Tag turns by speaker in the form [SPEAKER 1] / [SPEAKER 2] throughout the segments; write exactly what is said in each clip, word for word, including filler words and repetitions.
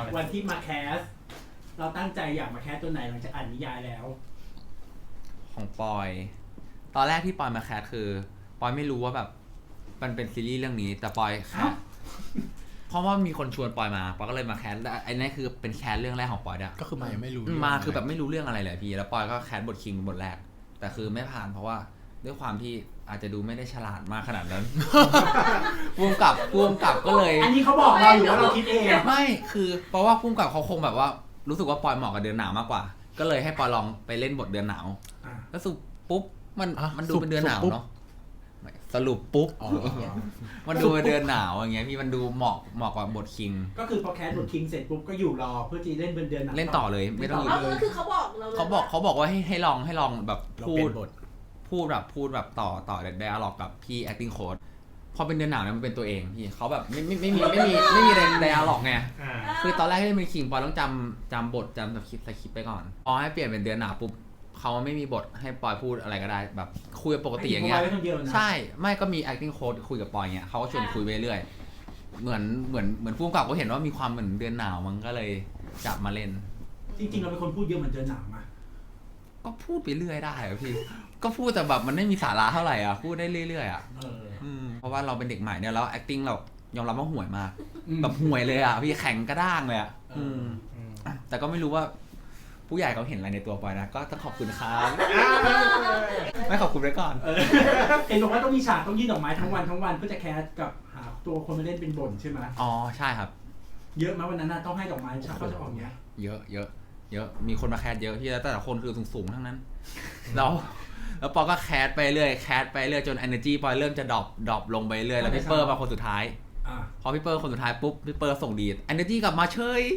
[SPEAKER 1] วันที่มาแคสเราตั้งใจอยากมาแคสตัวไหนหลังจากอ่านนิยายแล้ว
[SPEAKER 2] ของปอยตอนแรกที่ปอยมาแคสคือปอยไม่รู้ว่าแบบมันเป็นซีรีส์เรื่องนี้แต่ปอยแคสเพราะว่ามีคนชวนปอยมาปอยก็เลยมาแคสไอ้นี่คือเป็นแคสเรื่องแรกของปอยด้วย
[SPEAKER 3] ก็คือมายังไม่รู้
[SPEAKER 2] มาคือแบบไม่รู้เรื่องอะไรเลยพี่แล้วปอยก็แคสบทคิงบทแรกแต่คือไม่ผ่านเพราะว่าด้วยความที่อาจจะดูไม่ได้ฉลาดมากขนาดนั้นพุ่มกับพุ่มกับก็เลย
[SPEAKER 1] อันนี้เขาบอกเราหรือว่าเราคิดเอง
[SPEAKER 2] ไม่คือเพราะว่าพุ่มกับเขาคงแบบว่ารู้สึกว่าปอยเหมาะกับเดือนหนาวมากกว่าก็เลยให้ปอยลองไปเล่นบทเดือนหนาวแล้วสุดปุ๊บมันมันดูเป็นเดือนหนาวเนาะสรุปปุ๊บมันดูเป็นเดือนหนาวอย่างเงี้ยพี่มันดูเหมาะเหมาะกับบทคิง
[SPEAKER 1] ก็คือพอแคสบทคิงเสร็จปุ๊บก็อยู่รอเพื่อจะเล่นเป็นเดือนหนาว
[SPEAKER 2] เล่นต่อเลยไม่ต้องอยู่
[SPEAKER 4] เลยก็คือเขาบอกเรา
[SPEAKER 2] เขาบอกเขาบอกว่าให้ให้ลองให้ลองแบบพูดพูดแบบพูดแบบต่อต่อไดอะล็อกกับพี่ acting coach พอเป็นเดือนหนาวเนี่ยมันเป็นตัวเองพี่เขาแบบไม่ไม่ไม่มีไม่มีไม่มีไดอะล็อกไงคือตอนแรกที่เป็นคิงปอยต้องจำจำบทจำสคริปต์สคริปต์ไปก่อนพอให้เปลี่ยนเป็นเดือนหนาวปุ๊บเขาไม่มีบทให้ปอยพูดอะไรก็ได้แบบคุยปกติอย่างเงี้ยใช่ไม่ก็มี acting coach คุยกับปอยเงี้ยเขาก็ชวนคุยไปเรื่อยเหมือนเหมือนเหมือนผู้กำกับก็เห็นว่ามีความเหมือนเดือนหนาวมันก็เลยจับมาเล่น
[SPEAKER 1] จริงๆเราเป็นคนพูดเยอะเหมือนเดือนหนาวมา
[SPEAKER 2] ก็พูดไปเรื่อยได้อะพี่ก็พูดแต่แบบมันไม่มีสาระเท่าไหร่อ่ะพูดได้เรื่อยๆอ่ะเพราะว่าเราเป็นเด็กใหม่เนี่ยแล้ว acting เรายอมรับว่าห่วยมากแบบห่วยเลยอ่ะพี่แข็งกระด้างเลยอ่ะแต่ก็ไม่รู้ว่าผู้ใหญ่เขาเห็นอะไรในตัวปอยนะก็ต้องขอบคุณครับไม่ขอบคุณไว้ก่อน
[SPEAKER 1] เห็นบอกว่าต้องมีฉากต้องยื่นดอกไม้ทั้งวันทั้งวันเพื่อจะแคสกับหาตัวคนมาเล่นเป็นบทใช่ไหม
[SPEAKER 2] อ๋อใช่ครับ
[SPEAKER 1] เยอะไหมวันนั้นต้องให้ดอกไม้ฉากเขาจะออกเนี้ย
[SPEAKER 2] เยอะเยอะเยอะมีคนมาแคสเยอะพี่แล้วแต่ละคนคือสูงๆทั้งนั้นแล้วแล้วปอก็แคสไปเรื่อยแคสไปเรื่อยจน energy ปอยเริ่มจะดรอปดรอปลงไปเรื่อยแล้วพี่เปอร์มาคนสุดท้ายพอพี่เปอร์คนสุดท้ายปุ๊บพี่เปอร์ส่งดี energy กลับมาเฉย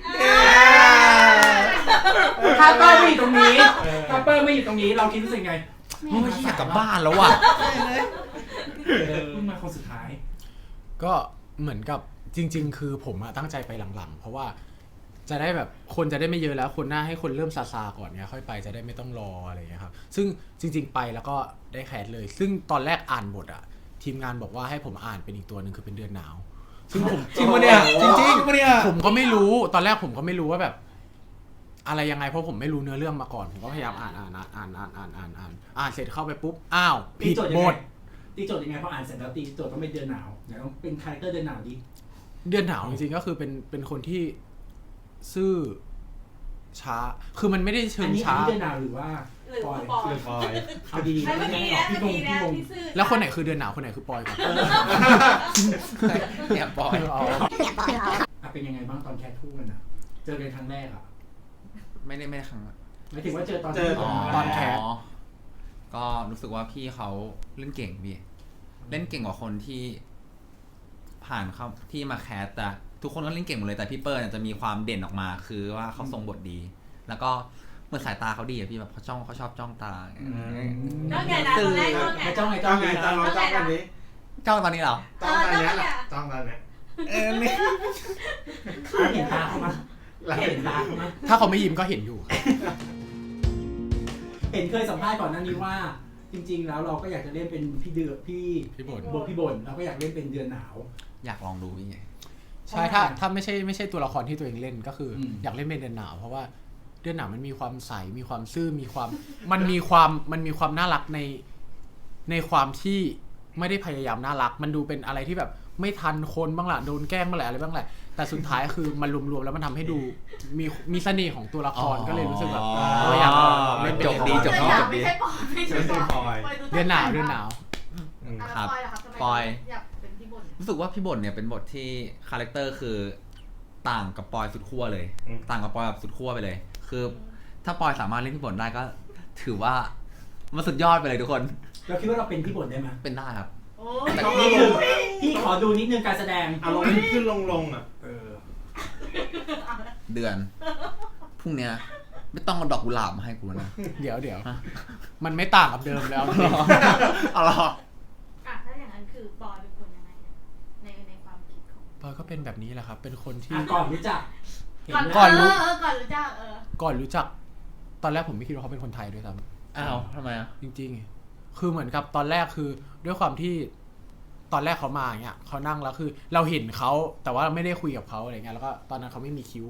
[SPEAKER 1] ถ้าเปอร์ไม่อยู่ตรงนี้ถ้าเปอร์ไม่อยู่ตรงนี้เราคิดรู้สึกไง
[SPEAKER 2] ไม่อยากกลับบ้านแล้วว่ะ
[SPEAKER 1] เพิ่งมาคนสุดท้าย
[SPEAKER 3] ก็เหมือนกับจริงๆคือผมตั้งใจไปหลังๆเพราะว่าจะได้แบบคนจะได้ไม่เยอะแล้วคนหน้าให้คนเริ่มซาซาก่อนเนี้ยค่อยไปจะได้ไม่ต้องรออะไรอย่างเงี้ยครับซึ่งจริงๆไปแล้วก็ได้แคสเลยซึ่งตอนแรกอ่านบทอะทีมงานบอกว่าให้ผมอ่านเป็นอีกตัวนึงคือเป็นเดือนหนาวซึ่งผม
[SPEAKER 2] จริงปะเนี่ยจริงๆปะเนี่ย
[SPEAKER 3] ผมก็ไม่รู้ตอนแรกผมก็ไม่รู้ว่าแบบอะไรยังไงเพราะผมไม่รู้เนื้อเรื่องมาก่อนผมก็พยายามอ่านอ่านอ่านอ่านอ่านอ่านอ่านอ่านเสร็จเข้าไปปุ๊บอ้าวผิดบท
[SPEAKER 1] ตีโจทย์ยังไงพออ่านเสร็จแล้วตีโจทย์ต้องเป็นเดือนหนาวเดี๋ยวต้องเป็นคาแรคเตอร์เดือนหนาวดิ
[SPEAKER 3] เดือนหนาวจริงๆก็คือเป็นเป็นคนที่ซื่อช้าคือมันไม่ได้เชิงช้า
[SPEAKER 1] อันนี้เดือนหนาวหรือว่า
[SPEAKER 4] ปอย
[SPEAKER 1] หรือปอยเอาดี
[SPEAKER 4] ๆไม่ดีนะพี่งพี่ง
[SPEAKER 3] แล้วคนไหนคือเดือนหนาวคนไหนคือปอยกัน
[SPEAKER 2] เนี่ยปอย
[SPEAKER 1] เนี่ยปอยเป็นยังไงบ้างตอนแคสคู่กันอ่ะเจอกันครั้งแรกอ่ะ
[SPEAKER 2] ไม่ได้ไม่ได้ครั้ง
[SPEAKER 1] หมายถึงว่าเจอตอน
[SPEAKER 3] เจอตอนแคส
[SPEAKER 2] ก็รู้สึกว่าพี่เขาเล่นเก่งพี่เล่นเก่งกว่าคนที่ผ่านเขาที่มาแคสแต่ทุกคนก็เล่นเก่งหมดเลยแต่พี่เปิ้ลจะมีความเด่นออกมาคือว่าเขาทรงบทดีแล้วก็เมื่อสายตาเขาดีอะพี่แบบเขาจ้องเขาชอบจ้องตา
[SPEAKER 4] จ้องไงนะตอนแรก
[SPEAKER 1] จ้องไงจ้องไงจ้องไง
[SPEAKER 5] จ้องตอนนี้
[SPEAKER 2] จ้องตอนนี้เหรอ
[SPEAKER 5] จ้องตอนนี้แหละจ้องตอนนี้
[SPEAKER 2] เออไม่
[SPEAKER 1] เห็นตาเขามาเห็นตาเขามา
[SPEAKER 3] ถ้าเขาไม่ยิ้มก็เห็นอยู่
[SPEAKER 1] เห็นเคยสัมภาษณ์ก่อนหน้านี้ว่าจริงๆแล้วเราก็อยากจะเล่นเป็นพี่เดือพี่
[SPEAKER 3] พี่บ่น
[SPEAKER 1] บทพี่บ่นเราก็อยากเล่นเป็นเดือนหนาว
[SPEAKER 2] อยากลองดูพี่
[SPEAKER 3] ใช่ถ้าถ้าไม่ใช่ไม่ใช่ตัวละครที่ตัวเองเล่นก็คืออยากเล่นเป็นเดือนหนาวเพราะว่าเดือนหนาวมันมีความใสมีความซื่อมีความมันมีความมันมีความน่ารักในในความที่ไม่ได้พยายามน่ารักมันดูเป็นอะไรที่แบบไม่ทันคนบ้างละโดนแกล้งบ้างแหละอะไรบ้างแหละแต่สุดท้ายคือมันรวมๆแล้วมันทำให้ดูมีมีเสน่ห์ของตัวละครก็เลยรู้สึกแบบอยาก
[SPEAKER 2] เล่นจบดีจบดีจบดี
[SPEAKER 4] ไม่ใช่ปอย
[SPEAKER 3] เดือนหนาวเดือนหนาว
[SPEAKER 2] ครับปอยรู้สึกว่าพี่บ่นเนี่ยเป็นบทที่คาแรคเตอร์คือต่างกับปอยสุดขั้วเลยต่างกับปอยแบบสุดขั้วไปเลยคือถ้าปอยสามารถเล่นพี่บ่นได้ก็ถือว่ามันสุดยอดไปเลยทุกคน
[SPEAKER 1] เราคิดว่าเราเป็นพี่บ่นได้ไหม
[SPEAKER 2] เป็นได้ครับ
[SPEAKER 1] แต่นี่คือพี่ขอดูนิดนึงการแสดง
[SPEAKER 5] อารมณ์ขึ้นลงลงอ่ะ
[SPEAKER 2] เดือนพรุ่งนี้ไม่ต้องเอาดอกกุหลาบมาให้กูนะ
[SPEAKER 3] เดี๋ยวเดี๋ยวมันไม่ต่างกับเดิมแล้ว
[SPEAKER 2] เอาหรอ
[SPEAKER 4] อ่ะถ้าอย่างนั้นคือปอยเป็นคนยังไงในในความคิดของ
[SPEAKER 3] ปอยก็เป็นแบบนี้แหละครับเป็นคนที่
[SPEAKER 1] ก่อนรู้จัก
[SPEAKER 4] ก่อนรู้ก่อนรู้จักเออ
[SPEAKER 3] ก่อนรู้จักตอนแรกผมไม่คิดว่าเขาเป็นคนไทยด้วยซ้
[SPEAKER 2] ำอ้าวทำไมอ่ะ
[SPEAKER 3] จริงๆคือเหมือนกับตอนแรกคือด้วยความที่ตอนแรกเขามาอย่างเงี้ยเขานั่งแล้วคือเราเห็นเขาแต่ว่าไม่ได้คุยกับเขาอะไรเงี้ยแล้วก็ตอนนั้นเขาไม่มีคิ้ว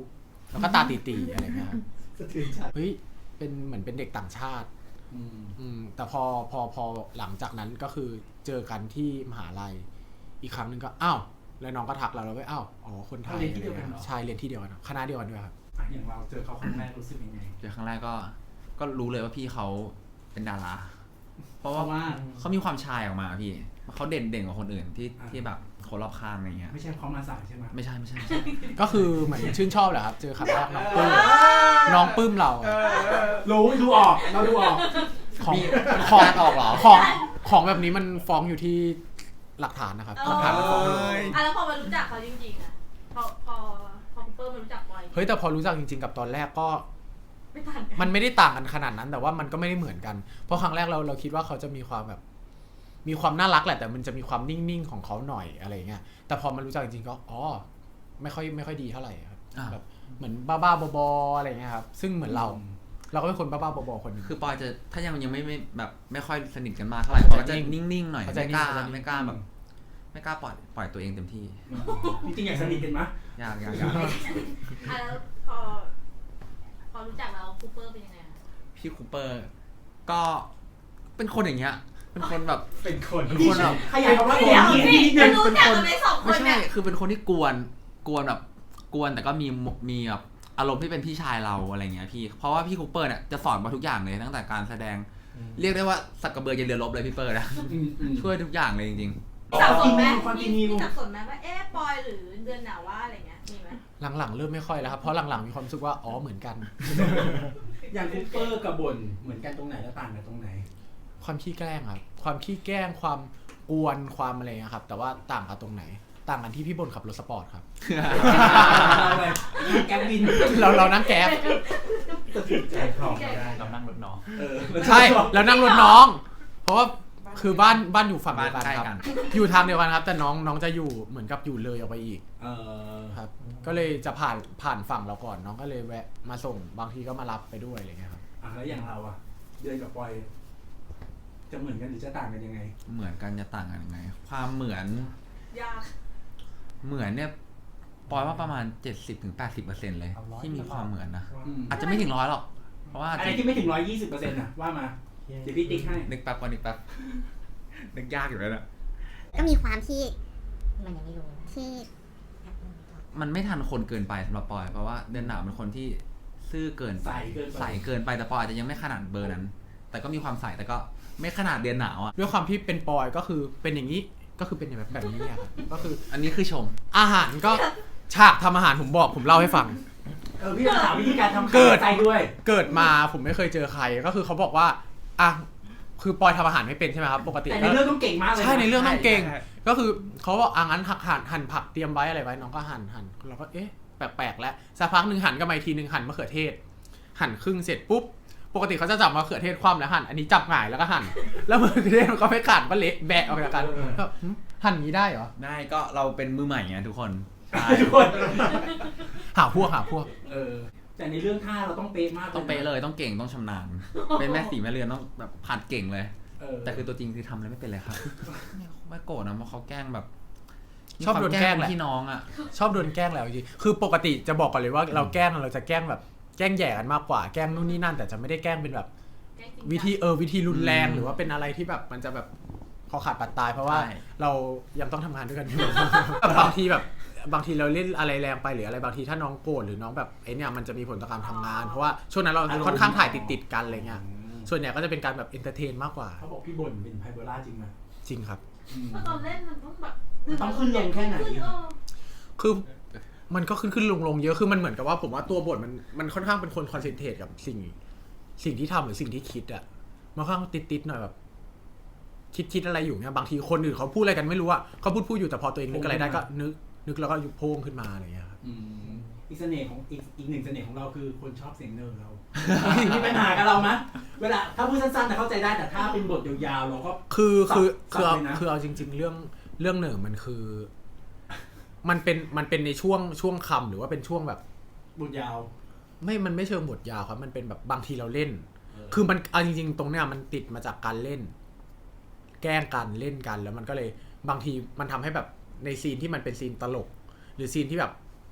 [SPEAKER 3] แล้วก็ตาตีๆอะไรเงี้ยครับ
[SPEAKER 1] สะเทือนใจ
[SPEAKER 3] เฮ้ยเป็นเหมือนเป็นเด็กต่างชาติ
[SPEAKER 1] อืม
[SPEAKER 3] อืมแต่พอพอพอหลังจากนั้นก็คือเจอกันที่มหาลัยอีกครั้งหนึ่งก็อ้าวแล้วน้องก็ทักเราแล้วก็อ้าวอ๋อคนไทย
[SPEAKER 1] เรียนที่เดียวกันเหรอ
[SPEAKER 3] ใช่เรียนที่เดียวกันคณะเดียวกันด้วยครับ
[SPEAKER 1] อ่ะอย่างเราเจอเขาครั้งแรกรู้สึกยังไง
[SPEAKER 2] เจอครั้งแรกก็ก็รู้เลยว่าพี่เขาเป็นดารา เพราะ
[SPEAKER 1] เพ
[SPEAKER 2] ว่า
[SPEAKER 1] ราะว่า
[SPEAKER 2] เขามีความชายออกมาพี่เขาเด่นเด่นกว่าคนอื่นที่
[SPEAKER 1] อ่า
[SPEAKER 2] ที่แบบคนรอบข้างอะไรเงี้ย
[SPEAKER 1] ไม่ใช่เขามาสายใช่ไหม
[SPEAKER 2] ไม่ใช่ไม่ใช่ไม่ใช่
[SPEAKER 3] ก็คือเหมือนชื่นชอบแหละครับเจอครั้งแรกน้องปลื้มน้องปลื้มเราอะ
[SPEAKER 1] รู้ดูออกเราดูออก
[SPEAKER 3] ของ
[SPEAKER 2] มี
[SPEAKER 3] ของ
[SPEAKER 2] การออกเหรอ
[SPEAKER 3] ของของแบบนี้มันฟ้องอยู่ที่หลักฐานนะครับ
[SPEAKER 4] เอ
[SPEAKER 3] หลั
[SPEAKER 4] อก
[SPEAKER 3] ฐานมันฟ้องอยู่
[SPEAKER 4] อ่ะแล้วพอมารู้จักเขาจริงๆอ่ะพอพอพอคุณเปิ้ลมารู้จักปอย
[SPEAKER 3] เฮ้ยแต่พอรู้จักจริงๆกับตอนแรกก็
[SPEAKER 4] ไม่ต่างกัน
[SPEAKER 3] มันไม่ได้ต่างกันขนาดนั้น แต่ว่ามันก็ไม่ได้เหมือนกัน เพราะครั้งแรกเราเราคิดว่าเขาจะมีความแบบ มีความน่ารักแหละแต่มันจะมีความนิ่งๆของเขาหน่อยอะไรเงี้ยแต่พอมารู้จักจริงๆก็อ๋อไม่ค่อยไม่ค่อยดีเท่าไหร่ครับ
[SPEAKER 2] อ่า
[SPEAKER 3] แบบเหมือนบ้าๆบอๆอะไรเงี้ยครับซึ่งเหมือนเรา เราก็เป็นคนบ้าๆบอๆคนหนึง
[SPEAKER 2] คือปอยจะถ้ายังยังไม่ไม่แบบไม่ค่อยสนิทกันมากเท่าไหร่
[SPEAKER 3] เขา
[SPEAKER 2] ปอย
[SPEAKER 3] จะ
[SPEAKER 2] จะ
[SPEAKER 3] นิ่ง
[SPEAKER 2] นิ่งๆหน่อย
[SPEAKER 3] เขาจะ
[SPEAKER 2] ไม่กล้า
[SPEAKER 3] นิ่งเขาจะนิ่ง
[SPEAKER 2] ไม่กล้าแบบไม่กล้าปล่อยปล่อยตัวเองเต็มที่
[SPEAKER 1] จริงๆอยากสนิทกันไหม
[SPEAKER 2] ยากยากยาก
[SPEAKER 4] อ่ะแล้วพอพอรู้จักแล้วคูเปอร์เป็นยังไงคะ
[SPEAKER 2] พี่คูเปอร์ก็เป็นคนอย่างเงี้ยเป็นคนแบบ
[SPEAKER 1] เป็นคน
[SPEAKER 2] เป็นคนแบบ
[SPEAKER 1] ขยายคำว่า
[SPEAKER 4] เดี๋ยว
[SPEAKER 1] คน
[SPEAKER 4] สิ
[SPEAKER 1] นิดนึ
[SPEAKER 4] จะ
[SPEAKER 1] ง
[SPEAKER 4] รู้จักกันไหมสองค
[SPEAKER 2] ไม่
[SPEAKER 4] น
[SPEAKER 2] ใช่
[SPEAKER 4] เนี่ย
[SPEAKER 2] คือเป็นคนที่กวนกวนแบบกวนแต่ก็มีมีแบบอารมณ์ที่เป็นพี่ชายเราอะไรเงี้ยพี่เพราะว่าพี่คูเปอร์เนี่ยจะสอนมาทุกอย่างเลยตั้งแต่การแสดง เรียกได้ว่าสักกระเบือยันเรือรบเลยพี่เปอร์นะ
[SPEAKER 1] อืมอืม
[SPEAKER 2] ช่วยทุกอย่างเลยจริง
[SPEAKER 4] สับสนไหม
[SPEAKER 1] ความจริ
[SPEAKER 4] มี
[SPEAKER 1] งมี
[SPEAKER 4] มีสับสนไหมว่าเอ๊ะปอยหรือเดือนหนาวว่าอะไรเงี้ยมีไหม
[SPEAKER 3] หลังๆเริ่มไม่ค่อยแล้วครับเพราะหลังๆมีความรู้สึกว่าอ๋อเหมือนกัน
[SPEAKER 1] อย่างคูเปอร์กับบ่นเหมือนกันตรงไหนแล้วต่างกันตรงไหน
[SPEAKER 3] ความขี้แกล้งครับความขี้แกล้งความกวนความอะไรเงี้ยครับแต่ว่าต่างกันตรงไหน ต่างกันที่พี่บนขับรถสปอร์ตครับ
[SPEAKER 1] เราเลยแก๊ปวิน
[SPEAKER 3] เราเรานั่งแก๊บ
[SPEAKER 5] ใจคลองไม่ได้
[SPEAKER 2] เรานั่งรถน้อง
[SPEAKER 1] เออ
[SPEAKER 3] ใช่แล้วนั่งรถน้อง เพราะว่าคือบ้านบ้านอยู่ฝั่งเดียวกัน
[SPEAKER 2] บ้านใกล้
[SPEAKER 3] ครับ
[SPEAKER 2] กัน
[SPEAKER 3] อยู่ทางเดียวกันครับ แต่น้องน้องจะอยู่เหมือนกับอยู่เลยออกไปอีก
[SPEAKER 1] เออ
[SPEAKER 3] ครับ ก็เลยจะผ่านผ่านฝั่งเราก่อนน้องก็เลยแวะมาส่งบางทีก็มารับไปด้วยอะไรเงี้ยครับ
[SPEAKER 1] อ่ะแล้วอย่างเราอ่ะเดือนกับปอย จะเหมือนกันหรือจะต่างกันยังไง
[SPEAKER 2] เหมือนกันจะต่างกันยังไง ความเหมือน
[SPEAKER 4] ยาก
[SPEAKER 2] เหมือนเนี่ยปอยว่าประมาณ เจ็ดสิบถึงแปดสิบเปอร์เซ็นต์ เลย ที่มีความเหมือนนะ
[SPEAKER 1] อืม
[SPEAKER 2] อาจจะไม่ถึงร้อยหรอกเพราะว่า
[SPEAKER 1] อะไรที่ไม่ถึงร้อยยี่สิบเปอร์เซ็นต์นะว่ามาเดี๋ยวพี่ติ๊กให้
[SPEAKER 2] นึกแป๊บก่อนนึกแป๊บนึกยากอยู่แล้วนะ
[SPEAKER 6] ก็มีความที่มันยังไม่รู้ที่
[SPEAKER 2] มันไม่ทันคนเกินไปสำหรับปอย เพราะว่าเดือนหนาวเป็นคนที่ซื่อเกินไป
[SPEAKER 1] ใสเกินไป
[SPEAKER 2] ใสเกินไปแต่ปอยอาจจะยังไม่ขนาดเบอร์นั้น แต่ก็มีความใสแต่ก็ไม่ขนาดเดือนหนาวอ่ะ
[SPEAKER 3] ด้วยความที่เป็นปอยก็คือเป็นอย่างนี้ก็คือเป็นแบบแบบนี้อะครับก็คือ
[SPEAKER 2] อันนี้คือชม
[SPEAKER 3] อาหารก็ฉากทำอาหารผมบอกผมเล่าให้ฟัง
[SPEAKER 1] เออพี่จะถามวิธีการทำ
[SPEAKER 3] เกิด
[SPEAKER 1] ใจด้วย
[SPEAKER 3] เกิดมาผมไม่เคยเจอใครก็คือเขาบอกว่าอ่ะคือปอยทำอาหารไม่เป็นใช่ไหมครับปกติ
[SPEAKER 1] แต่ในเรื่องต้องเก่งมากเลยะ
[SPEAKER 3] ใช่ในเรื่องต้องเก่ง
[SPEAKER 2] ใช่
[SPEAKER 3] ก็คือเขาบอกอ่ะงั้นหักหั่นหั่นผักเตรียมไว้อะไรไว้น้องก็หั่นหั่นเราก็เอ๊ะแปลกๆแล้วสักพักหนึ่งหั่นก็มาอีกทีหนึ่งหั่นมะเขือเทศ หั่นครึ่งเสร็จปุ๊บปกติเขาจะจับมะเขือเทศคว่ำแล้วหั่นอันนี้จับหงายแล้วก็หั่นแล้วมะเขือเทศมันก็ไม่ขาดก็เละแบะออกจากกันก็หึหั่นอย่างนี้ได้เหรอ
[SPEAKER 2] ได้ก็เราเป็นมือใหม่ไงทุกคนใช่
[SPEAKER 1] ทุกคน
[SPEAKER 3] หาพวกหาพวก
[SPEAKER 1] เออแต่ในเรื่องท่าเราต้องเป๊ะมาก
[SPEAKER 2] ต้องเป๊ะเลยต้องเก่งต้องชำนาญเป็นแม่สีแม่เรือนต้องแบบผัดเก่งเลย
[SPEAKER 1] เออ
[SPEAKER 2] แต่คือตัวจริงคือทำอะไรไม่เป็นเลยครับ ไม่โกรธนะเพราะเขาแกล้งแบบ
[SPEAKER 3] ชอบโดนแกล้งแหละ
[SPEAKER 2] พี่น้องอ่ะ
[SPEAKER 3] ชอบโดนแกล้งแล้วจริงๆคือปกติจะบอกก่อนเลยว่าเราแกล้งเราจะแกล้งแบบแกล้งแย่กันมากกว่าแกล้งนู่นนี่นั่นแต่จะไม่ได้แกล้งเป็นแบบ
[SPEAKER 4] แกล้งจริงจัง
[SPEAKER 3] วิธีเออวิธีรุนแรง
[SPEAKER 2] อืม
[SPEAKER 3] หรือว่าเป็นอะไรที่แบบมันจะแบบคอขาดปัดตายเพราะว่า
[SPEAKER 2] ใช่
[SPEAKER 3] เรายังต้องทำงานด้วยกันอยู่ แบบบางทีแบบบางทีเราเล่นอะไรแรงไปหรืออะไรบางทีถ้าน้องโกรธหรือน้องแบบไอเนี่ยมันจะมีผลต่อการทำงาน เพราะว่าช่วงนั้นเราค่อนข้างถ่ายติดๆกันอะไรเงี้ยส่วนใหญ่ก็จะเป็นการแบบเอนเตอร์เทนมากกว่า
[SPEAKER 1] เขาบอกพี่บ่นเป็นไพเบอร่าจริงไหม
[SPEAKER 3] จริงครับ
[SPEAKER 1] อืม
[SPEAKER 4] เพราะตอนเล่นมันต้องแบบ
[SPEAKER 1] มันต้องขึ้นลงแค่ไหน
[SPEAKER 4] ขึ้เออ
[SPEAKER 3] คือมันก็ขึ้นขึ้นลงลงเยอะคือมันเหมือนกับว่าผมว่าตัวบทมันมันค่อนข้างเป็นคนคอนเซนเทรตกับสิ่ง สิ่งที่ทำหรือสิ่งที่คิดอะมันค่อนข้างติดๆหน่อยแบบ คิดคิดอะไรอยู่เนี่ยบางทีคนอื่นเขาพูดอะไรกันไม่รู้อะเขาพูดพูดอยู่แต่พอตัวเองนึกอะไรได้ก็นึกนึกแล้วก็ยุบโพงขึ้นมาอะไรอย่างเงี้ยครับ
[SPEAKER 1] อืมอีกเสน่ห์ของอีกอีกหนึ่งเสน่ห์ของเราคือคนชอบเสียงเนิร์เรา มีปัญหากับเราไหมเวลาถ้าพูดสั้นๆแต่เข้าใจได้แต่ถ้าเป็นบทยาวๆเราก็
[SPEAKER 3] คือคือ
[SPEAKER 1] สับ
[SPEAKER 3] คือเอา
[SPEAKER 1] เลยนะ
[SPEAKER 3] คือเอาจริง ๆ เรื่องเรื่องเหนึ่งมันคือ มันเป็นมันเป็นในช่วงช่วงคำหรือว่าเป็นช่วงแบบ
[SPEAKER 1] บทยาว
[SPEAKER 3] ไม่มันไม่เชิงบทยาวครับมันเป็นแบบบางทีเราเล่น
[SPEAKER 1] เออ
[SPEAKER 3] คือมันเอาจริงๆ ตรงเนี้ยมันติดมาจากการเล่น แกล้งกันเล่นกันแล้วมันก็เลยบางทีมันทำให้แบบในซีนที่มันเป็นซีนตลก หรือซีนที่แบบ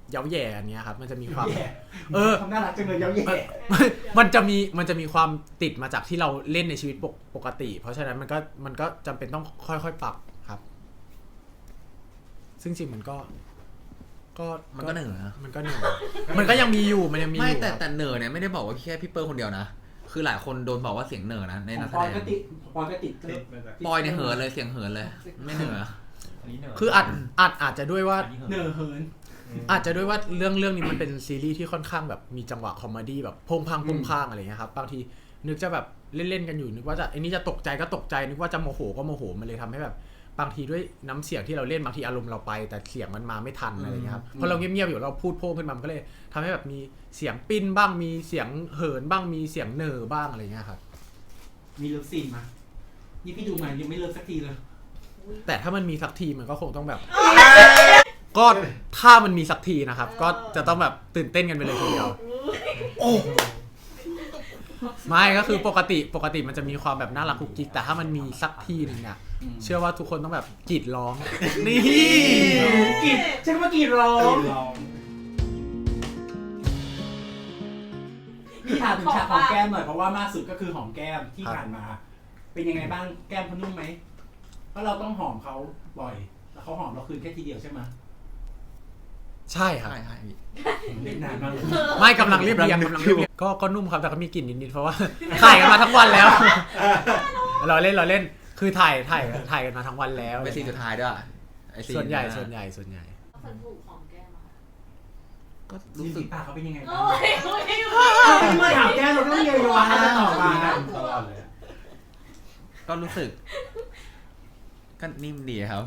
[SPEAKER 3] เย้าแย่อันเนี้ยครับมันจะมีความ
[SPEAKER 1] แย่
[SPEAKER 3] เออ
[SPEAKER 1] ทำน่ารักจังเลยเย้าแย่
[SPEAKER 3] มันจะมีมันจะมีความติดมาจากที่เราเล่นในชีวิตปกปกติ เพราะฉะนั้นมันก็มันก็จำเป็นต้องค่อยๆปรับครับ ซึ่งจริงมันก็ ก็
[SPEAKER 2] มันก็เหนื่อยนะ
[SPEAKER 3] มันก็เหนื่อยมันก็ยังมีอยู่มันยังมีอ
[SPEAKER 2] ไม่
[SPEAKER 3] ยู่
[SPEAKER 2] แต่
[SPEAKER 3] ครับ
[SPEAKER 2] แต่เหนื่อยเนี่ยไม่ได้บอกว่าแค่พี่เปิ้ลคนเดียวนะคือหลายคนโดนบอกว่าเสียงเหนื่อยนะใน
[SPEAKER 1] ขอ
[SPEAKER 2] นั
[SPEAKER 1] ง
[SPEAKER 2] กแส
[SPEAKER 1] ปอ
[SPEAKER 2] ด
[SPEAKER 1] ย
[SPEAKER 2] ง
[SPEAKER 1] ก็ติดปอยก็ติด
[SPEAKER 5] ติดมาจาก
[SPEAKER 2] ปอยเนี่ยเหินเลยเสียงเหินเลย ไม่เหนื่อย
[SPEAKER 5] อันนี้เหนื่อย
[SPEAKER 3] คืออาจอาจอาจจะด้วยว่า
[SPEAKER 1] เนอเหิน
[SPEAKER 3] อาจจะด้วยว่าเรื่องเรื่องนี้มันเป็นซีรีส์ที่ค่อนข้างแบบมีจังหวะคอมเมดี้แบบพงพังพงพางอะไรเงี้ยครับบางทีนึกจะแบบเล่นๆกันอยู่นึกว่าจะไอ้นี่จะตกใจก็ตกใจนึกว่าจะโมโหก็โมโหมันเลยทำให้แบบบางทีด้วยน้ำเสียงที่เราเล่นบางทีอารมณ์เราไปแต่เสียงมันมาไม่ทันอะไรเงี้ยครับพอเราเงียบๆอยู่เราพูดโพ่งขึ้นมามันก็เลยทำให้แบบมีเสียงปิ้นบ้างมีเสียงเหินบ้างมีเสียงเนอบ้างอะไรเงี้ยครับ
[SPEAKER 1] มีเลิฟซีนมานี่พี่ดูมายังไม่เลิฟสักทีเลย
[SPEAKER 3] แต่ถ้ามันมีสักทีมันก็คงต้องแบบ ก็ถ้ามันมีสักทีนะครับ ก็จะต้องแบบตื่นเต้นกันไปเลยทีเดียวโอ้ไม่ก็คือปกติปกติมันจะมีความแบบน่ารักกุ๊กกิ๊กแต่ถ้ามันมีสักทีหนึ่งเนี่ยเชื่อว่าทุกคนต้องแบบกรีดร้องนี่
[SPEAKER 1] กรีดใช่ไหมกรีดร้อง
[SPEAKER 5] ลอง
[SPEAKER 1] พี่ถามถึงฉากหอมแก้มหน่อยเพราะว่ามากสุดก็คือหอมแก้มที่ผ่านมา เป็นยังไงบ้างแก้มเขานุ่มไหมเพราะเราต้องหอมเขาบ่อยแล้วเขาหอมเราคืนแค่ทีเดียวใช่ไหม
[SPEAKER 3] ใช่ครับ
[SPEAKER 2] ใช่ใช่พี่
[SPEAKER 1] เล่นนานมากเลย
[SPEAKER 3] ไม่กำลังเรียบเรียงกำลังเรียบเรียงก็ก็นุ่มครับแต่ก็มีกลิ่นนิดๆเพราะว่า ถ่ายกันมาทั้งวันแล้ว เราเล่นเราเล่นคือถ่ายถ่ายถ่ายกันมาทั้งวันแล้ว
[SPEAKER 2] เป็นซีนสุดท้ายด้วยไอ้ซี
[SPEAKER 3] ส่วนใหญ่ส่วนใหญ่ส่วนใหญ่
[SPEAKER 4] คนถูกของแก้มอะค่ะ
[SPEAKER 2] ก็
[SPEAKER 1] รู้
[SPEAKER 2] รู้
[SPEAKER 1] สึ
[SPEAKER 2] สึ
[SPEAKER 1] ก
[SPEAKER 2] ก
[SPEAKER 1] ปากเขาเป็นยังไงบ้า
[SPEAKER 4] โอ้
[SPEAKER 1] ง
[SPEAKER 4] ยโอ้ย
[SPEAKER 1] ที่มาถามแก้มเราต้องเยียวยาจะตอบมา
[SPEAKER 5] ตลอดเลย
[SPEAKER 2] ก็รู้สึกก็นิ่มดีครับ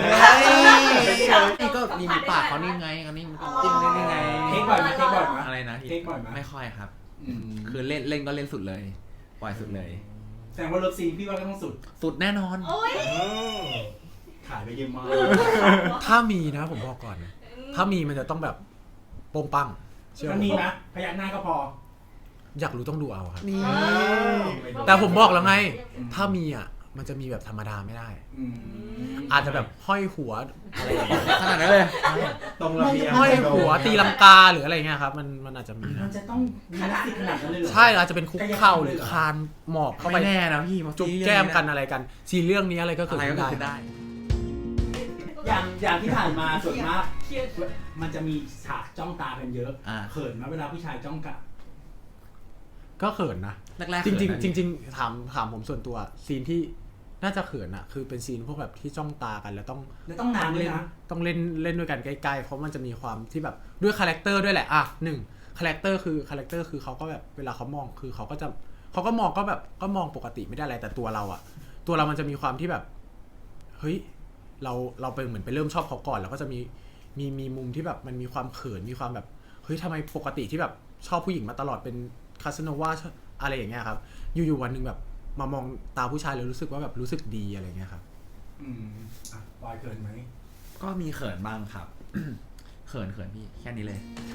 [SPEAKER 2] นี่ก็มีปากเขานิ่มไงเขานิ่มจิ้มได้ยังไง
[SPEAKER 1] เทคบ่อยไหมเทคบ่อยไหม
[SPEAKER 2] อะไรนะพี่
[SPEAKER 1] เทคบ่อยไหม
[SPEAKER 2] ไม่ค่อยครับ
[SPEAKER 1] อืม
[SPEAKER 2] คือเล่นเล่นก็เล่นสุดเลย ปล่อยสุดเลย
[SPEAKER 1] แสดงว่าเลิฟซีนพี่ว่าก็ต้องสุด
[SPEAKER 2] สุดแน่นอน
[SPEAKER 4] โอ้ย
[SPEAKER 1] ขายไปเยอะมาก
[SPEAKER 3] ถ้ามีนะผมบอกก่อน ถ้ามีมันจะต้องแบบโป้งปังเชื่อ
[SPEAKER 1] มันมีนะพยักหน้าก็พอ
[SPEAKER 3] อยากรู้ต้องดูเอาครับ
[SPEAKER 2] นี่
[SPEAKER 3] แต่ผมบอกแล้วไง ถ้ามีอ่ะมันจะมีแบบธรรมดาไม่ได้
[SPEAKER 1] อืม
[SPEAKER 3] อาจจะแบบห้อยหัวอะไรอย่างเงี้ย
[SPEAKER 2] ขนาดนั้นเลย
[SPEAKER 5] ตรงระเบียง
[SPEAKER 3] ห้อยหัวตีลังกาหรืออะไรเงี้ยครับมันมันอาจจะมี
[SPEAKER 1] มั
[SPEAKER 3] นะ
[SPEAKER 1] นจะต้องมีนักสิขนาดนั้นเลยเหรอ
[SPEAKER 3] ใช่อาจจะเป็นคุกเข่าหรือคานหมอบเข้าไป
[SPEAKER 2] ไม่แน่นะพี่
[SPEAKER 3] จุ๊บแก้มกันอะไรกันซีเรื่องนี้อะไรก็
[SPEAKER 2] อะ
[SPEAKER 3] เกิด
[SPEAKER 2] ไรก็
[SPEAKER 3] ขึ้น
[SPEAKER 2] เกิดขึ้น
[SPEAKER 3] ได้
[SPEAKER 2] ได้
[SPEAKER 1] อย่างอย่างที่ผ่านมาส่วนมาก
[SPEAKER 4] เครียด
[SPEAKER 1] มันจะมีฉากจ้องตากันเยอะ
[SPEAKER 2] อ่า
[SPEAKER 1] เขินไหมเวลาผู้ชายจ้องกะ
[SPEAKER 3] ก็เขินนะ
[SPEAKER 2] แรกๆ
[SPEAKER 3] จริง
[SPEAKER 2] เขินนะ
[SPEAKER 3] ๆจริงๆถามถามผมส่วนตัวซีนที่น่าจะเขินอะคือเป็นซีนพวกแบบที่จ้องตากันแล้วต้อง
[SPEAKER 1] แล้วต้องนานด้วย
[SPEAKER 3] เล่น
[SPEAKER 1] นะ
[SPEAKER 3] ต้องเล่นเล่นด้วยกันใกล้ๆเพราะมันจะมีความที่แบบด้วยคาแรคเตอร์ด้วยแหละอ่ะหนึ่งคาแรคเตอร์คือคาแรคเตอร์คือเขาก็แบบเวลาเขามองคือเขาก็จะเขาก็มองก็แบบก็มองปกติไม่ได้อะไรแต่ตัวเราอะตัวเรามันจะมีความที่แบบเฮ้ยเราเราไปเหมือนไปเริ่มชอบเขาก่อนแล้วก็จะมีมีมีมุมที่แบบมันมีความเขินมีความแบบเฮ้ยทำไมปกติที่แบบชอบผู้หญิงมาตลอดเป็นคาสโนวาอะไรอย่างเงี้ยครับอยู่ๆวันหนึ่งแบบมามองตาผู้ชายแล้วรู้สึกว่าแบบรู้สึกดีอะไรเงี้ยครับ
[SPEAKER 1] อืมอ่ะปอยเขินไหม
[SPEAKER 2] ก็มีเขินบ้างครับ เขินเขินพี่แค่นี้เลย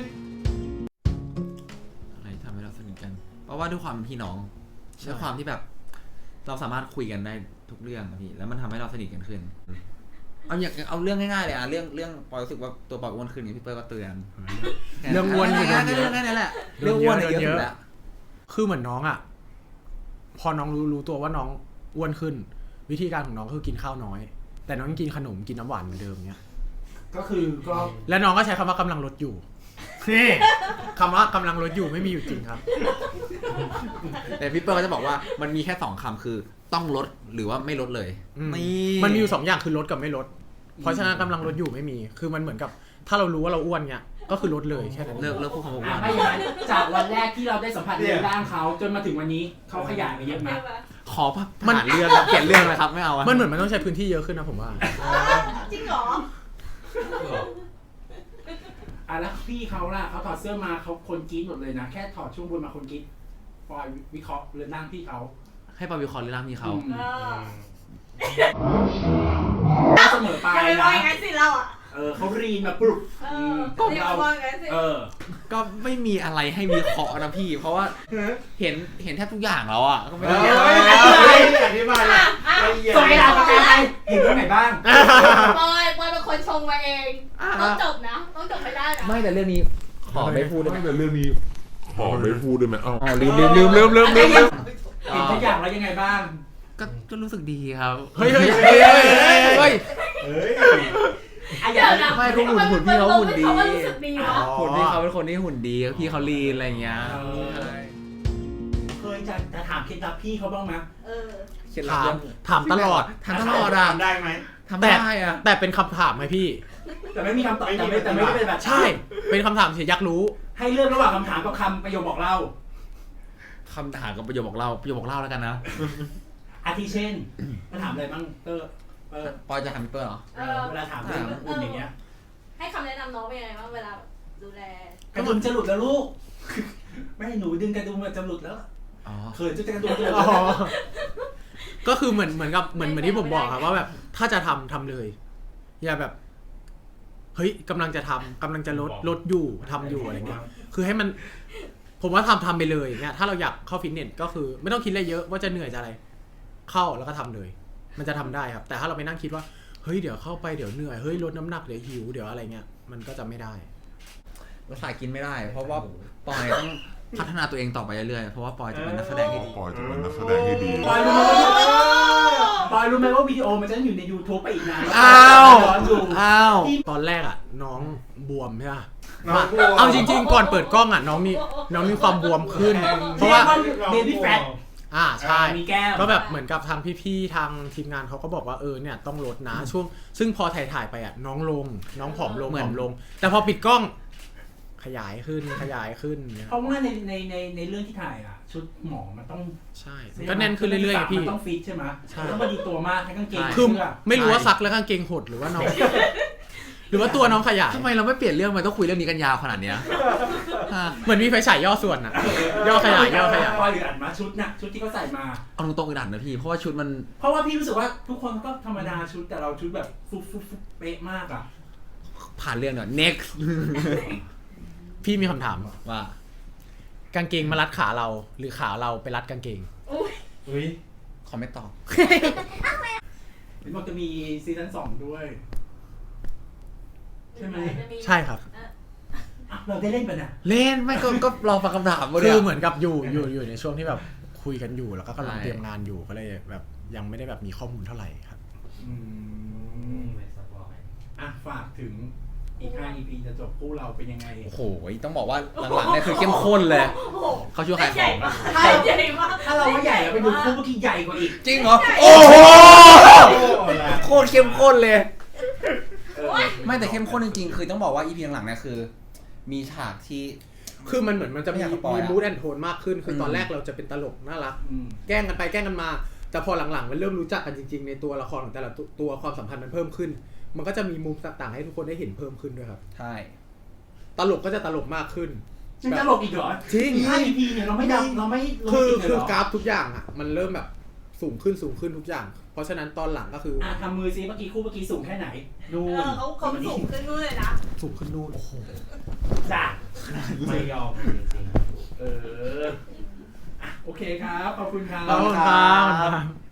[SPEAKER 2] อะไรทำให้เราสนิทกัน เพราะว่าด้วยความเป็นพี่น้องด้วยความที่แบบ เราสามารถคุยกันได้ทุกเรื่องอะพี่แล้วมันทำให้เราสนิทกันขึ้น เอาอย่างเอาเรื่องง่ายๆเลยอะเรื่องเรื่องปอยรู้สึกว่าตัวปอยอ้วนขึ้นอย่างพี่เปิ้ลก็เตือน
[SPEAKER 3] เรื่องอ้วนอยู่
[SPEAKER 2] แค่
[SPEAKER 3] เรื่องเยอะ
[SPEAKER 2] นั้นแหละ
[SPEAKER 3] เรื่
[SPEAKER 2] เรื่อ
[SPEAKER 3] อง ง
[SPEAKER 2] อ้วนเนี่ย
[SPEAKER 3] เย
[SPEAKER 2] เย
[SPEAKER 3] อะ
[SPEAKER 2] อะสุดแล้ว
[SPEAKER 3] คือเหมือนน้องอ่ะ พอน้องรู้รู้ตัวว่าน้องอ้วนขึ้น วิธีการของน้องคือกินข้าวน้อย แต่น้องยังกินขนมกินน้ำหวานเหมือนเดิมเนี้ย
[SPEAKER 1] ก็คือก็
[SPEAKER 3] และน้องก็ใช้คำว่ากำลังลดอยู่นี่คำว่ากำลังลดอยู่ไม่มีอยู่จริงครับ
[SPEAKER 2] แต่พี่เปิ้ลก็จะบอกว่ามันมีแค่สองคำคือต้องลดหรือว่าไม่ลดเลย
[SPEAKER 3] อืม
[SPEAKER 2] นี่
[SPEAKER 3] มันมีอยู่สองอย่างคือลดกับไม่ลด เพราะฉะนั้นกำลังลดอยู่ไม่มี คือมันเหมือนกับ ถ้าเรารู้ว่าเราอ้วนเนี้ยก็คือลดเลยแค่นั้น
[SPEAKER 2] เลิกเลิกพูดคำว่าอ้ว
[SPEAKER 1] อ่ะ
[SPEAKER 2] น
[SPEAKER 1] ไม่อย่างนั้นจากวันแรกที่เราได้สัมผัสในร่างเขาจนมาถึงวันนี้เขาขยายไปเยอะไหม
[SPEAKER 2] ขอผ่านเรื่องครับเปลี่ยนเรื่องเลยครับไม่เอาอะ
[SPEAKER 3] มันเหมือนมันต้องใช้พื้นที่เยอะขึ้นนะผมว่า
[SPEAKER 4] จริงเหรอ
[SPEAKER 1] อ่ะแล้วพี่เขาล่ะเขาถอดเสื้อมาเขาคนกรี๊ดหมดเลยนะ แค่ถอดช่วงบนมาคนกรี๊ดปอยวิเคราะห์เรื่องร่างพี่เขา
[SPEAKER 2] ให้ปาวิคอร์เรื่องมีเขา
[SPEAKER 1] อืม
[SPEAKER 4] เออ
[SPEAKER 1] เสมอไป
[SPEAKER 4] อย่าไปม
[SPEAKER 1] นะ
[SPEAKER 4] องอย่างนั้นสิเราอ่ะ
[SPEAKER 1] เออเขารีนมาปลุก
[SPEAKER 4] เอ
[SPEAKER 1] อื
[SPEAKER 4] อ
[SPEAKER 1] ม
[SPEAKER 4] อย่าไปมองอย่างนั้นสิ
[SPEAKER 1] เออ
[SPEAKER 2] ก็ไม่มีอะไรให้มีเคาะนะพี่ เพราะว่าเห็นเห็นแทบทุกอย่างแล้วอ่ะก็ไม่
[SPEAKER 5] เฮ้
[SPEAKER 2] ได้
[SPEAKER 5] ยอธิบายเลย
[SPEAKER 4] อ่ะ
[SPEAKER 5] ละเอียด
[SPEAKER 1] ส่งไปอ่านประกันไปเห็นตรงไหนบ้าง
[SPEAKER 4] ปอยปอยเป็นคนชงมาเอง ต้องจบนะ ต้องจบไม่ได้ได้นะ
[SPEAKER 2] ไม่แต่เรื่องนี้ขอไม่พูดได้ไหม
[SPEAKER 7] แต่เรื่องนี้ขอไม่พูดได้ไหมเอ้า
[SPEAKER 2] อ๋อลืมลืมลืมลืมลืมลืมลืม
[SPEAKER 1] เห็นทุกอย่างแล้วยังไงบ้าง
[SPEAKER 2] ก็ก็รู้สึกดีครับ
[SPEAKER 3] เฮ้ยเฮ้ยเฮ้ยเฮ้ยเฮ้ย
[SPEAKER 5] เฮ้ย
[SPEAKER 1] อ่ะอ
[SPEAKER 4] เดี๋
[SPEAKER 1] ย่า
[SPEAKER 4] ยวนะ
[SPEAKER 2] ไม่ก็หุ่นหุ่นพี่เขาหุ่นดี
[SPEAKER 4] เขาว่ารู้สึกดีวะ
[SPEAKER 2] หุ่นพี่เขาเป็นคนที่หุ่นดีพี่เขาลีนอะไรอย่างเงี้ยใช่
[SPEAKER 1] เคยจะจะถามเคล็ดลับพี่เขาบ้างไหม
[SPEAKER 4] เออ
[SPEAKER 2] เคล็ดลับ
[SPEAKER 3] ถาม
[SPEAKER 2] เรื่อง
[SPEAKER 3] ถามตลอด
[SPEAKER 2] ทำตลอดอ่ะ
[SPEAKER 5] ทำได้ไหม
[SPEAKER 2] ทำ
[SPEAKER 3] แต่
[SPEAKER 2] ได้อ่ะ
[SPEAKER 3] แต่เป็นคำถามไหมพี่
[SPEAKER 1] แต่ไม่มีคำตอบแต่ไม่แต่ไม่ได้เป็นแบบ
[SPEAKER 3] ใช่ เป็นคำถามเฉยอยากรู้
[SPEAKER 1] ให้เลือกระหว่างคำถามกับคำประโยคบอกเล่า
[SPEAKER 2] คำถามกับประโยคบอกเล่าประโยคบอกเล่าแล้วกันนะ
[SPEAKER 1] อาทิเช่นมาถามอะไรบ้างเตอร์เออ
[SPEAKER 2] ปอยจะถามพี่เปิ้ลเหรอ
[SPEAKER 1] เออเวลาถามเรื่องอุ่นอย่างเงี้ย
[SPEAKER 4] ให้คำแนะนำน้องเป็นยังไงบ้างเวลาแบบดูแล
[SPEAKER 1] กระดุมจะหลุดแล้วลูก ไม่ให้หนูดึงกระดุมมันจะหลุดแล้ว
[SPEAKER 2] อ๋อ
[SPEAKER 1] เขินจะกระดุมจะหลุด
[SPEAKER 3] อ๋
[SPEAKER 1] แล้ว
[SPEAKER 3] อ ก็คือเหมือนเหมือนกับเหมือนเหมือนที่ผมบอกครับว่าแบบถ้าจะทำทำเลย อย่าแบบ เฮ้ยกำลังจะทำกำลังจะลดลดอยู่ทำอยู่อะไรเงี้ย คือให้มัน ผมว่าทำทำไปเลยเนี่ยถ้าเราอยากเข้าฟิตเนสก็คือ ไม่ต้องคิดอะไรเยอะว่าจะเหนื่อยจะอะไร เข้าแล้วก็ทำเลย มันจะทำได้ครับ แต่ถ้าเราไปนั่งคิดว่าเฮ้ยเดี๋ยวเข้าไปเดี๋ยวเหนื่อยเฮ้ยลดน้ำหนักเดี๋ยวหิวเดี๋ยวอะไรเงี้ยมันก็จะไม่ได้
[SPEAKER 2] ภาษากินไม่ได้ เพราะว่าปอยต้องพัฒนาตัวเองต่อไปเรื่อยๆเพราะว่าปอยจะเป็นนักแสดงที่ดี
[SPEAKER 7] ปอยจะเป็นนักแสดงที่ดี
[SPEAKER 1] ปอยรู้ไหมปอยรู้ไหมว่าวิดีโอมันจะอยู่ใน YouTube ไปอีกนาน
[SPEAKER 2] อ้าว
[SPEAKER 1] ย้อนดู
[SPEAKER 2] อ้าว
[SPEAKER 3] ตอนแรกอ่ะ น้องบวมใช่ปะ
[SPEAKER 5] น้องบวม
[SPEAKER 3] เอาจริง ๆ ก่อนเปิดกล้องอ่ะน้องมีน้องมีความบวมขึ้น เพราะว่า
[SPEAKER 1] เบบี้แฟต
[SPEAKER 3] อ่าใช่
[SPEAKER 1] มีแก้ม
[SPEAKER 3] ก็แบบเหมือนกับทางพี่ๆทางทีมงานเขาก็บอกว่าเออเนี่ยต้องลดนะช่วง ซึ่งพอถ่ายถ่ายๆไปอ่ะน้องลง น้องผอมลง
[SPEAKER 2] เหมื
[SPEAKER 3] ผ
[SPEAKER 2] อน
[SPEAKER 3] อมลง แต่พอปิดกล้อง ขยายขึ้นขยายขึ้นเนี่ย
[SPEAKER 1] เพราะว่าในในในในเรื่องที่ถ่ายอ่ะ ชุดหมอมันต้อง
[SPEAKER 3] ใช่ก็แน่นขึ้นเรื่อยๆไงพี่
[SPEAKER 1] มันต้องฟิตใช่ไหม
[SPEAKER 3] ใช่
[SPEAKER 1] ต้องพอดีตัวมากให้กางเกง
[SPEAKER 3] คือ
[SPEAKER 1] เสื้อ
[SPEAKER 3] ไม่รู้ว่าซักแล้วกางเกงหดหรือว่าน้อง หรือว่าตัวน้องขยาย
[SPEAKER 2] ทำไมเราไม่เปลี่ยนเรื่องมันต้องคุยเรื่องนี้กันยาวขนาดเนี้ยฮะ
[SPEAKER 3] เหมือนมีไฟฉายย่อส่วนอ่ะ ย่อขยายย่อขยาย
[SPEAKER 1] ปอยหรืออัดมาชุดน่ะชุดที่เขาใส่มา
[SPEAKER 2] เอาตรงๆอึดอัดนะพี่เพราะว่าชุดมัน
[SPEAKER 1] เพราะว่าพี่รู้สึกว่าทุกคนก็ธรรมดาชุดแต่เราชุดแบบฟุบฟุบฟุบเป๊ะมากอ่ะ
[SPEAKER 2] ผ่านเรื่องเนอะ next
[SPEAKER 3] พี่มีคำถาม
[SPEAKER 2] ว่า
[SPEAKER 3] กางเกงมารัดขาเรา หรือขาเราไปรัดกางเกง
[SPEAKER 4] อุ้ย
[SPEAKER 5] อุ้ย
[SPEAKER 2] ขอไม่ตอบ
[SPEAKER 1] เห็นบอกจะมีซีซั่นสองด้วย ใช่ไหม
[SPEAKER 3] ใช่ครับ
[SPEAKER 1] อ่ะเราได้เล่นไปะเนี่ย
[SPEAKER 2] เล่นไม่ก็ก็รอฟังคำถามมา
[SPEAKER 3] คื
[SPEAKER 2] เนี่
[SPEAKER 3] อย เหมือนกับอยู่อยู่อยู่ในช่วงที่แบบคุยกันอยู่แล้วก็กำลัง
[SPEAKER 2] ใช่
[SPEAKER 3] เตรียมงานอยู่ก็เลยแบบยังไม่ได้แบบมีข้อมูลเท่าไหร่ครับ
[SPEAKER 1] อืม
[SPEAKER 5] ไม่สปอย
[SPEAKER 1] อ่ะฝากถึงอีกห้า อี พี จะจบคู่เราเป็นยังไง
[SPEAKER 2] โอ้โหต้องบอกว่าหลังๆเนี่ยคือเข้มข้นเลย เขาช่วยขายของ
[SPEAKER 4] ใหญ่มากใหญ่มาก
[SPEAKER 1] ถ้าเราไม่ใหญ่เราไปดูคู่เมื่อกี้ใหญ่กว่าอีก
[SPEAKER 2] จริงเหรอ โอ้โหโคตรเข้มข้นเลย
[SPEAKER 1] เออ
[SPEAKER 2] ไม่แต่เข้มข้นจริงๆ คือต้องบอกว่า อี พี หลังๆเนี่ยคือ มีฉากที่
[SPEAKER 3] คือมันเหมือนมันจะ
[SPEAKER 2] ไม่
[SPEAKER 3] มี
[SPEAKER 2] อยากสปอย
[SPEAKER 3] มี
[SPEAKER 2] อะ
[SPEAKER 3] มูดแอนโทนมากขึ้น คืออ
[SPEAKER 2] ม
[SPEAKER 3] ตอนแรกเราจะเป็นตลกน่ารัก
[SPEAKER 1] อืม
[SPEAKER 3] แกล้งกันไปแกล้งกันมา แต่พอหลังๆมันเริ่มรู้จักกันจริงๆในตัวละครของแต่ละตัวตัวความสัมพันธ์มันเพิ่มขึ้น มันก็จะมีมุมต่างๆให้ทุกคนได้เห็นเพิ่มขึ้นด้วยครับ
[SPEAKER 2] ใช่
[SPEAKER 3] ตลกก็จะตลกมากขึ้น
[SPEAKER 1] ยังตลกอีกเหรอ
[SPEAKER 3] จริง
[SPEAKER 1] อีกห้า อี พี เนี่ยเราไม่ดับเราไม่ลง
[SPEAKER 3] คือ
[SPEAKER 1] จริงเลย
[SPEAKER 3] คื
[SPEAKER 1] เห
[SPEAKER 3] อ
[SPEAKER 1] รอก
[SPEAKER 3] ราฟทุกอย่างอ่ะ มันเริ่มแบบสูงขึ้นสูงขึ้นทุกอย่าง เพราะฉะนั้นตอนหลังก็คือ
[SPEAKER 1] อ่ะทำมือซิเมื่อกี้คู่เมื่อกี้สูงแค่ไหนนู่
[SPEAKER 4] เอน อเขาเขาสูงขึ้นนู่นเลยนะ
[SPEAKER 3] สูงขึ้นนู่นโอ้โห
[SPEAKER 1] จ้ะ
[SPEAKER 5] ไม่ยอมจริง
[SPEAKER 1] เอออ่ะโอเคครับ ขอบคุณครับ
[SPEAKER 3] ขอบคุณครับ